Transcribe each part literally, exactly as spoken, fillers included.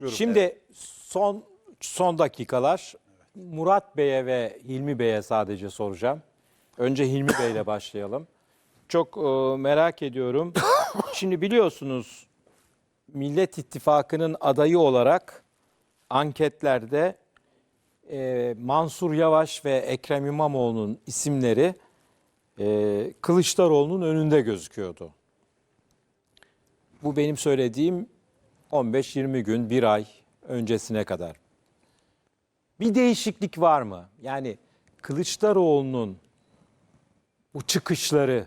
Şimdi son son dakikalar Murat Bey'e ve Hilmi Bey'e sadece soracağım. Önce Hilmi Bey'le başlayalım. Çok e, merak ediyorum. Şimdi biliyorsunuz Millet İttifakı'nın adayı olarak anketlerde e, Mansur Yavaş ve Ekrem İmamoğlu'nun isimleri e, Kılıçdaroğlu'nun önünde gözüküyordu. Bu benim söylediğim on beş yirmi gün, bir ay öncesine kadar. Bir değişiklik var mı? Yani Kılıçdaroğlu'nun bu çıkışları,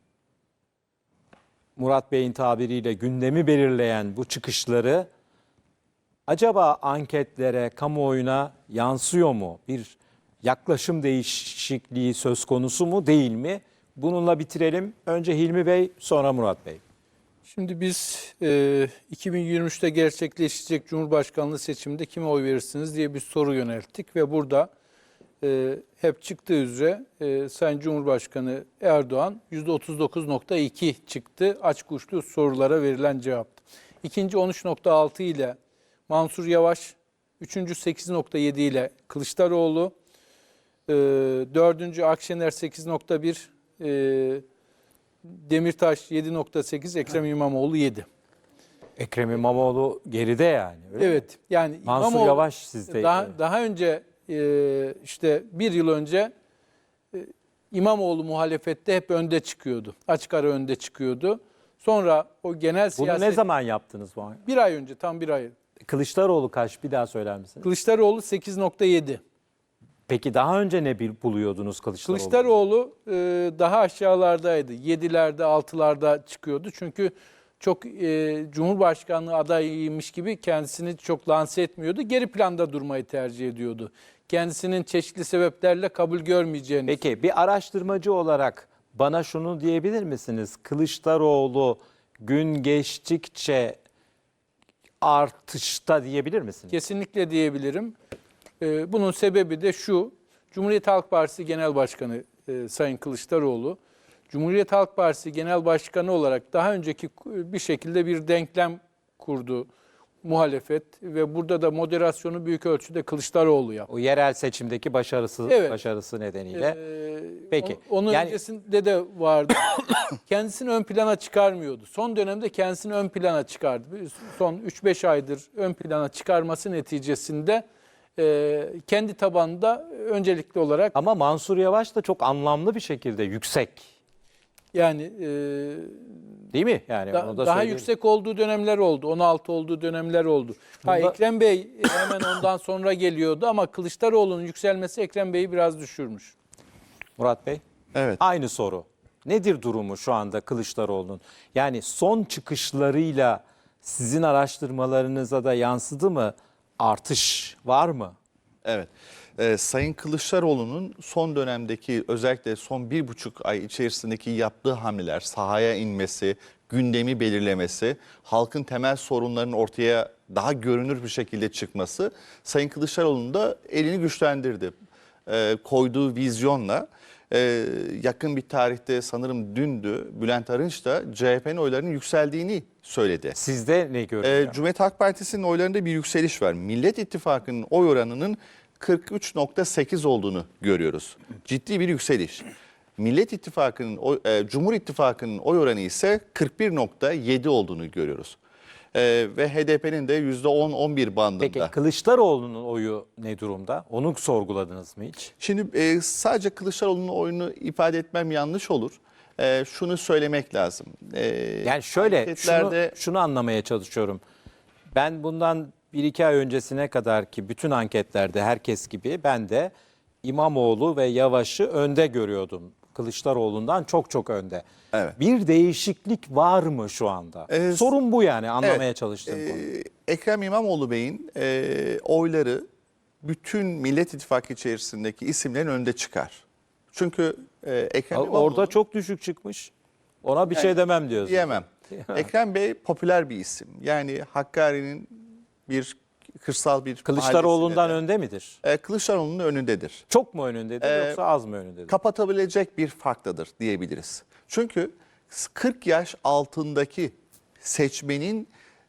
Murat Bey'in tabiriyle gündemi belirleyen bu çıkışları acaba anketlere, kamuoyuna yansıyor mu? Bir yaklaşım değişikliği söz konusu mu, değil mi? Bununla bitirelim. Önce Hilmi Bey, sonra Murat Bey. Şimdi biz e, iki bin yirmi üçte gerçekleşecek Cumhurbaşkanlığı seçiminde kime oy verirsiniz diye bir soru yönelttik ve burada e, hep çıktığı üzere e, Sayın Cumhurbaşkanı Erdoğan yüzde otuz dokuz nokta iki çıktı açık uçlu sorulara verilen cevap. İkinci on üç nokta altı ile Mansur Yavaş, üçüncü sekiz nokta yedi ile Kılıçdaroğlu, e, dördüncü Akşener sekiz nokta bir, e, Demirtaş yedi nokta sekiz, Ekrem İmamoğlu yedi. Ekrem İmamoğlu geride yani. Öyle Evet. mi? Yani Mansur İmamoğlu, Yavaş sizde. Daha, daha önce e, işte bir yıl önce e, İmamoğlu muhalefette hep önde çıkıyordu. Açık ara önde çıkıyordu. Sonra o genel Bunu siyaset... ne zaman yaptınız bu? Bir ay önce, tam bir ay. Kılıçdaroğlu kaç? Bir daha söyler misiniz? Kılıçdaroğlu sekiz nokta yedi. Peki daha önce ne bil- buluyordunuz Kılıçdaroğlu? Kılıçdaroğlu e, daha aşağılardaydı. yedilerde, altılarda çıkıyordu. Çünkü çok e, Cumhurbaşkanlığı adayıymış gibi kendisini çok lanse etmiyordu. Geri planda durmayı tercih ediyordu. Kendisinin çeşitli sebeplerle kabul görmeyeceğini. Peki bir araştırmacı olarak bana şunu diyebilir misiniz? Kılıçdaroğlu gün geçtikçe artışta diyebilir misiniz? Kesinlikle diyebilirim. E, bunun sebebi de şu: Cumhuriyet Halk Partisi Genel Başkanı e, Sayın Kılıçdaroğlu, Cumhuriyet Halk Partisi Genel Başkanı olarak daha önceki bir şekilde bir denklem kurdu muhalefet ve burada da moderasyonu büyük ölçüde Kılıçdaroğlu yaptı. O yerel seçimdeki başarısı Evet. başarısı nedeniyle. Ee, Peki. o- Onun Yani- öncesinde de vardı. Kendisini ön plana çıkarmıyordu. Son dönemde kendisini ön plana çıkardı. Son üç beş aydır ön plana çıkarması neticesinde e, kendi tabanında öncelikli olarak Ama Mansur Yavaş da çok anlamlı bir şekilde yüksek. yani e, Değil mi? Yani da- onu da daha söyleyelim. yüksek olduğu dönemler oldu. on altı olduğu dönemler oldu. Ha, Bunda- Ekrem Bey hemen ondan sonra geliyordu ama Kılıçdaroğlu'nun yükselmesi Ekrem Bey'i biraz düşürmüş. Murat Bey. Evet. Aynı soru. Nedir durumu şu anda Kılıçdaroğlu'nun? Yani son çıkışlarıyla sizin araştırmalarınıza da yansıdı mı? Artış var mı? Evet. Ee, Sayın Kılıçdaroğlu'nun son dönemdeki, özellikle son bir buçuk ay içerisindeki yaptığı hamleler, sahaya inmesi, gündemi belirlemesi, halkın temel sorunlarının ortaya daha görünür bir şekilde çıkması Sayın Kılıçdaroğlu'nun da elini güçlendirdi. Ee, koyduğu vizyonla e, yakın bir tarihte, sanırım dündü, Bülent Arınç da C H P'nin oylarının yükseldiğini söyledi. Sizde ne görünüyor? Ee, Cumhuriyet Halk Partisi'nin oylarında bir yükseliş var. Millet İttifakı'nın oy oranının kırk üç nokta sekiz olduğunu görüyoruz. Ciddi bir yükseliş. Millet İttifakı'nın, oy- e, Cumhur İttifakı'nın oy oranı ise kırk bir nokta yedi olduğunu görüyoruz. Ee, ve H D P'nin de yüzde on on bir bandında. Peki Kılıçdaroğlu'nun oyu ne durumda? Onu sorguladınız mı hiç? Şimdi e, sadece Kılıçdaroğlu'nun oyunu ifade etmem yanlış olur. E, şunu söylemek lazım. E, Yani şöyle anketlerde- şunu, şunu anlamaya çalışıyorum. Ben bundan bir iki ay öncesine kadar ki bütün anketlerde herkes gibi ben de İmamoğlu ve Yavaş'ı önde görüyordum. Kılıçdaroğlu'ndan çok çok önde. Evet. Bir değişiklik var mı şu anda? Ee, Sorun bu yani anlamaya Evet, çalıştığım e, konu. Ekrem İmamoğlu Bey'in e, oyları bütün Millet İttifakı içerisindeki isimlerin önünde çıkar. Çünkü e, Ekrem İmamoğlu... Orada çok düşük çıkmış. Ona bir Yani şey demem diyorsun. Diyemem. Ekrem Bey popüler bir isim. Yani Hakkari'nin bir kırsal bir Kılıçdaroğlu'ndan mahallesinde de, önde midir? e, Kılıçdaroğlu'nun önündedir. Çok mu önündedir Ee, yoksa az mı önündedir? Kapatabilecek bir farklıdır diyebiliriz. Çünkü kırk yaş altındaki seçmenin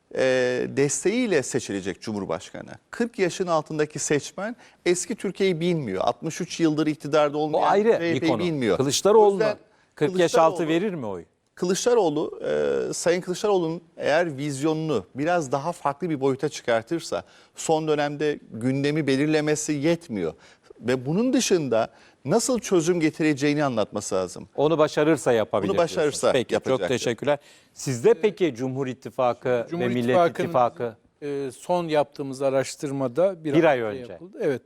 e, desteğiyle seçilecek Cumhurbaşkanı. kırk yaşın altındaki seçmen eski Türkiye'yi bilmiyor. altmış üç yıldır iktidarda Bu olmayan ayrı C H P'yi bir konu. bilmiyor. O Kılıçdaroğlu'na yüzden kırk yaş altı Kılıçdaroğlu- verir mi oy? Kılıçdaroğlu, e, Sayın Kılıçdaroğlu'nun eğer vizyonunu biraz daha farklı bir boyuta çıkartırsa son dönemde gündemi belirlemesi yetmiyor. Ve bunun dışında nasıl çözüm getireceğini anlatması lazım. Onu başarırsa yapabilir. Bunu başarırsa diyorsunuz. Peki, yapacaktır. çok teşekkürler. Sizde peki Cumhur İttifakı Cumhur ve Millet İttifakı'nın, İttifakı e, son yaptığımız araştırmada bir, Bir ay önce önce. yapıldı. Evet.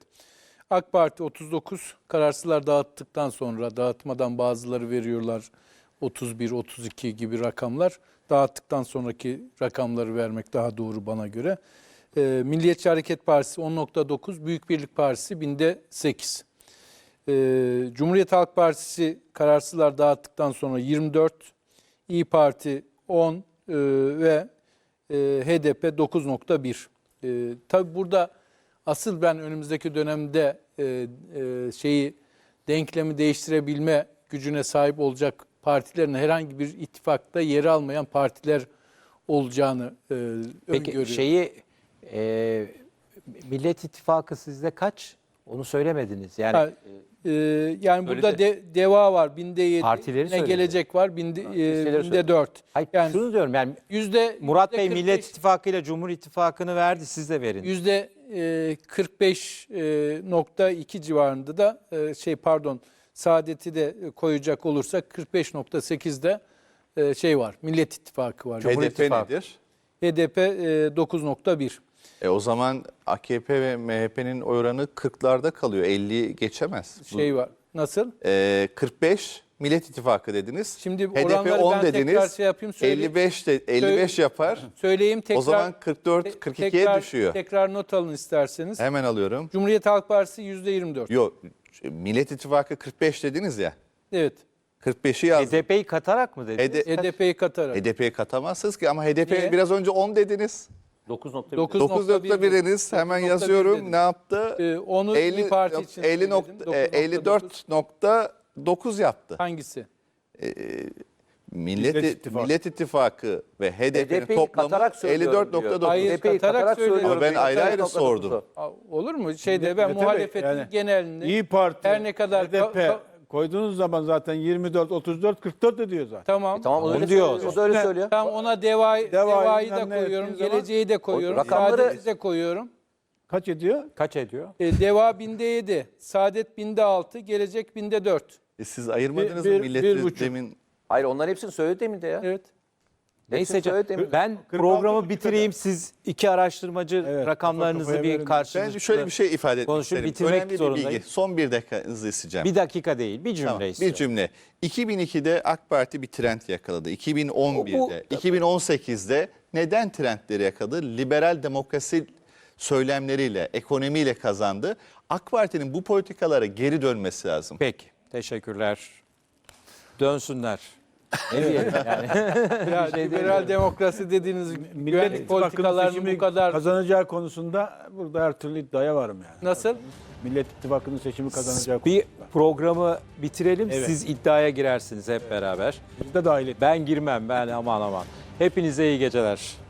AK Parti otuz dokuz, kararsızlar dağıttıktan sonra, dağıtmadan bazıları veriyorlar otuz bir, otuz iki gibi rakamlar. Dağıttıktan sonraki rakamları vermek daha doğru bana göre. E, Milliyetçi Hareket Partisi on nokta dokuz, Büyük Birlik Partisi binde sekiz. E, Cumhuriyet Halk Partisi kararsızlar dağıttıktan sonra yirmi dört, İyi Parti on e, ve e, H D P dokuz nokta bir. E, tabii burada asıl ben önümüzdeki dönemde e, e, şeyi denklemi değiştirebilme gücüne sahip olacak partilerin herhangi bir ittifakta yer almayan partiler olacağını e, peki öngörüyorum. şeyi e, Millet İttifakı sizde kaç? Onu söylemediniz. Yani Ha, e, yani burada Söyledi. de, DEVA var binde yedi, Partileri ne söyledi. gelecek var binde, e, listeleri binde söyledi. dört. hayır, Yani şunu diyorum yani yüzde Murat yüzde Bey kırk beş Millet İttifakı ile Cumhur İttifakı'nı verdi, siz de verin. Yüzde e, kırk beş nokta iki civarında da e, şey pardon Saadet'i de koyacak olursak kırk beş nokta sekizde e, şey var. Millet İttifakı var. Cumhur H D P İttifakı. nedir? H D P e, dokuz nokta bir. E o zaman A K P ve M H P'nin oranı kırklarda kalıyor. elliyi geçemez. Bu- Şey var. Nasıl? E, kırk beş Millet İttifakı dediniz. Şimdi H D P oranları on ben tekrar dediniz. şey yapayım, söyleyeyim. elli beş de elli beş yapar. Söyleyeyim tekrar. O zaman kırk dört te- kırk ikiye tekrar- düşüyor. Tekrar not alın isterseniz. Hemen alıyorum. Cumhuriyet Halk Partisi yüzde yirmi dört. Yok, Millet İttifakı kırk beş dediniz ya. Evet. kırk beşi yazdım. H D P'yi katarak mı dediniz? H D H D P'yi katarak. H D P'yi katamazsınız ki ama H D P Niye? biraz önce on dediniz. dokuz nokta bir. Dokuz dokuz nokta bir nokta biriniz hemen dokuz nokta bir yazıyorum. dedim. Ne yaptı? Ee, onu İYİ Parti için elli söyledim. nokta- dokuz e, nokta dokuz. elli dört nokta dokuz yaptı. Hangisi? Millet, Millet İttifakı. Millet İttifakı ve H D H D P'nin P'yi toplamı katarak elli söylüyorum dört nokta diyor. dokuz. Hayır, H D P'yi katarak katarak söylüyorum. Ama ben diyor. ayrı ayrı Katarak sordum. Aa, olur mu? Şeyde Evet, ben tabii, muhalefetin yani genelini İyi Parti, her ne kadar H D P ka- ka- koyduğunuz zaman zaten yirmi dört, otuz dört, kırk dört ediyor zaten. tamam. Tamam o Onu öyle diyor. söylüyor. O da öyle Üstüne- söylüyor. Tamam ona deva, Deva'yı devayı da bilmem ne koyuyorum, ettiğin zaman- geleceği de koyuyorum, rakamları- saadeti de koyuyorum. Kaç ediyor? Kaç ediyor? E, deva binde yedi, saadet binde altı, gelecek binde dört. E siz ayırmadınız Bir- mı bir- milleti bir buçuk. demin? Hayır onların hepsini söyledi demin de ya. Evet. Neyse Hepsini söyledi canım, demin. ben kırk programı altı bitireyim. Siz iki araştırmacı Evet, rakamlarınızı kafa kafaya bir verin. karşınızda. Ben şöyle bir şey ifade etmek konuşup isterim. bitirmek Önemli bir zorundayım. bilgi. Son bir dakikanızı isteyeceğim. Bir dakika değil, bir cümle Tamam, bir istiyorum. cümle. iki bin ikide AK Parti bir trend yakaladı. iki bin on birde, O- bu- iki bin on sekizde neden trendleri yakaladı? Liberal demokrasi söylemleriyle, ekonomiyle kazandı. AK Parti'nin bu politikalara geri dönmesi lazım. Peki, teşekkürler. Dönsünler. Ne diyelim yani? Ya, liberal demokrasi dediğiniz Millet güvenlik İttifakı'nın politikalarının seçimi bu kadar kazanacağı konusunda burada her türlü iddiaya varım yani. nasıl? Millet İttifakı'nın seçimi kazanacağı Bir konusunda. programı bitirelim. Evet. Siz iddiaya girersiniz hep beraber. Biz de dahil ettik. Ben girmem, ben aman aman. Hepinize iyi geceler.